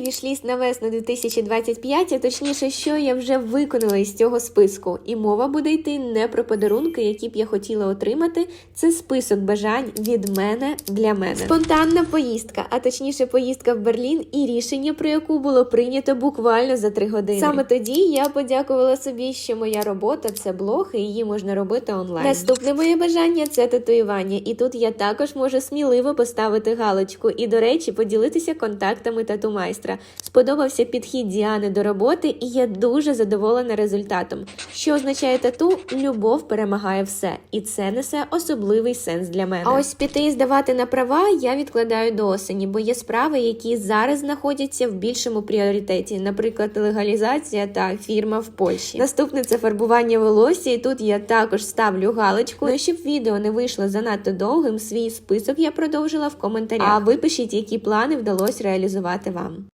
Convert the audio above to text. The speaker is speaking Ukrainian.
вішліст на весну 2025, а точніше, що я вже виконала із цього списку. І мова буде йти не про подарунки, які б я хотіла отримати. Це список бажань від мене для мене. Спонтанна поїздка, а точніше поїздка в Берлін і рішення, про яку було прийнято буквально за 3 години. Саме тоді я подякувала собі, що моя робота – це блог, і її можна робити онлайн. Наступне моє бажання – це татуювання. І тут я також можу сміливо поставити галочку. І, до речі, поділитися контактами тату-майстра. Сподобався підхід Діани до роботи, і я дуже задоволена результатом. Що означає тату? Любов перемагає все. І це несе особливий сенс для мене. А ось піти і здавати на права я відкладаю до осені, бо є справи, які зараз знаходяться в більшому пріоритеті. Наприклад, легалізація та фірма в Польщі. Наступне – це фарбування волосся, і тут я також ставлю галочку. Ну і щоб відео не вийшло занадто довгим, свій список я продовжила в коментарях. А ви пишіть, які плани вдалося реалізувати вам.